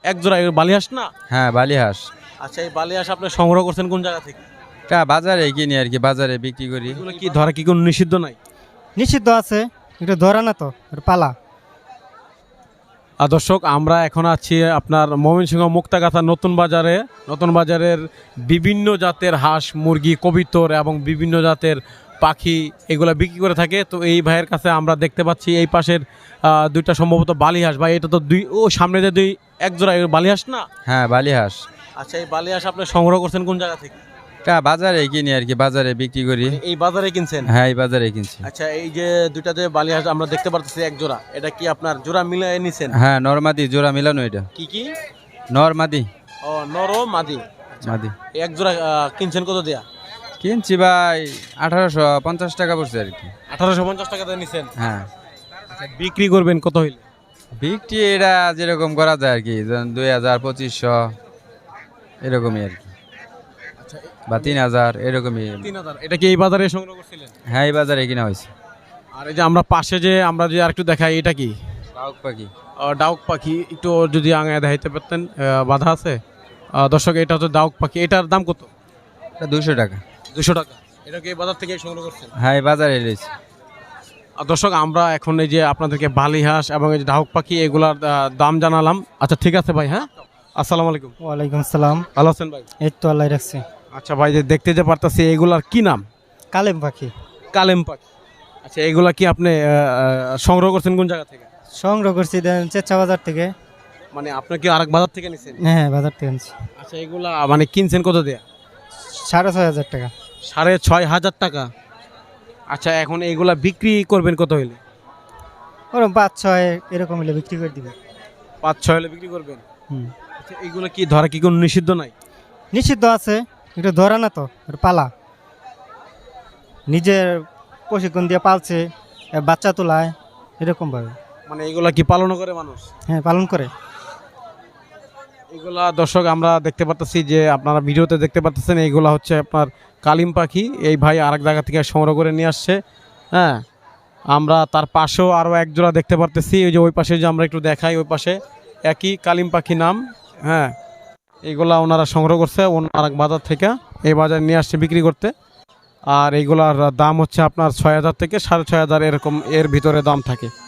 এক জোড়া বালিহাঁস না? হ্যাঁ বালিহাঁস। আচ্ছা, এই বালিহাঁস আপনি সংগ্রহ করছেন কোন জায়গা থেকে? এটা বাজারে কিনি আর কি, বাজারে বিক্রি করি। এগুলো কি ধরা কি কোনো নিষিদ্ধ নাই? নিষিদ্ধ আছে, এটা ধরা না তো, এটা পালা। আর দর্শক, আমরা এখন আছি আপনার ময়মনসিংহ মুক্তাগাছা নতুন বাজারের বিভিন্ন জাতের হাঁস মুরগি কবিতর এবং বিভিন্ন জাতের পাখি এগুলা বিক্রি করে থাকে। তো এই ভাইয়ের কাছে আমরা দেখতে পাচ্ছি এই পাশের দুইটা সম্ভবত বালিহাঁস, ভাই এটা তো সামনে যে এক জোড়া বালিহাঁস না? হ্যাঁ বালিহাঁস। আচ্ছা, এই বালিহাঁস আপনি সংগ্রহ করছেন কোন জায়গা থেকে? এটা বাজারে কিনি আর কি, বাজারে বিক্রি করি। এই বাজারে কিনছেন? হ্যাঁ এই বাজারে কিনছি। আচ্ছা, এই যে দুইটা যে বালিহাঁস আমরা দেখতে পাচ্ছি এক জোড়া, এটা কি আপনার জোড়া মিলিয়ে নিছেন? হ্যাঁ নরমাদি জোড়া মিলানো এটা। কি কি? নরমাদি। ও নর ও মাদি। মাদি। এক জোড়া কিনছেন কত দেয়া? কিনছি ভাই 1850 টাকা পড়ছে আর কি। 1850 টাকা দিয়ে নিছেন? হ্যাঁ। বিক্রি করবেন কত হইলে? বিক্রি এটা যেরকম করা যায় আর কি, 2000-2500 এরকমই আর কি, বা 3000 এরকমই। 3000। এটা কি এই বাজারে সংগ্রহ করছিলেন? হ্যাঁ এই বাজারে কিনা হয়েছে। আর এই যে আমরা পাশে যে আমরা যে আরেকটু দেখাই, এটা কি? ডাউক পাখি। ডাউক পাখি, একটু যদি আগে দেখাইতে পারতেন, বাধা আছে। দর্শক, এটা হচ্ছে ডাউক পাখি, এটার দাম কত? এটা 200 টাকা। 200 টাকা। এটা কি এই বাজার থেকে সংগ্রহ করছেন? হ্যাঁ এই বাজারে রয়েছে। দর্শক, আমরা এখন এই যে আপনাদেরকে বালিহাঁস এবং এই যে ডাউক পাখি এগুলার দাম জানালাম। আচ্ছা ঠিক আছে ভাই, হ্যাঁ আসসালামু আলাইকুম। ওয়ালাইকুম আসসালাম। ভালো আছেন ভাই? এই তো আল্লাহ রাখছে। আচ্ছা ভাই, যে দেখতে যে পারতাছি এগুলার কি নাম? কালেম পাখি। কালেম পাখি। আচ্ছা, এগুলা কি আপনি সংগ্রহ করছেন কোন জায়গা থেকে? সংগ্রহ করছি দেন চেঁচা বাজার থেকে। মানে আপনি কি আরেক বাজার থেকে নিছেন? হ্যাঁ বাজার থেকে আনছি। আচ্ছা, এগুলা মানে কিনছেন কত দেয়া? 6500 টাকা। 6500 টাকা। আচ্ছা, এখন এইগুলা বিক্রি করবেন কত হইলে? ওরকম 5-6 এরকম হলে বিক্রি করে দিবে। 5-6 হলে বিক্রি করবেন? হুম। আচ্ছা, এগুলো কি ধরা কি কোনো নিষিদ্ধ নাই? নিষিদ্ধ আছে, এটা ধরা না তো, এটা পালা। নিজের প্রশিক্ষণ দিয়ে পালছে, বাচ্চা তোলায় এরকম ভাবে। মানে এগুলা কি পালন করে মানুষ? হ্যাঁ পালন করে। এগুলা দর্শক আমরা দেখতে পাচ্ছি যে আপনারা ভিডিওতে দেখতে পাচ্ছেন, এইগুলা হচ্ছে আপনার কালিম পাখি। এই ভাই আরেক জায়গা থেকে সংগ্রহ করে নিয়ে আসছে। হ্যাঁ, আমরা তার পাশেও আরও এক জোড়া দেখতে পারতেছি। ওই যে ওই পাশে যে আমরা একটু দেখাই, ওই পাশে একই কালিম পাখি নাম। হ্যাঁ, এইগুলা ওনারা সংগ্রহ করছে আরেক বাজার থেকে, এই বাজারে নিয়ে আসছে বিক্রি করতে। আর এইগুলার দাম হচ্ছে আপনার 6000 থেকে 6500 এরকম, এর ভিতরে দাম থাকে।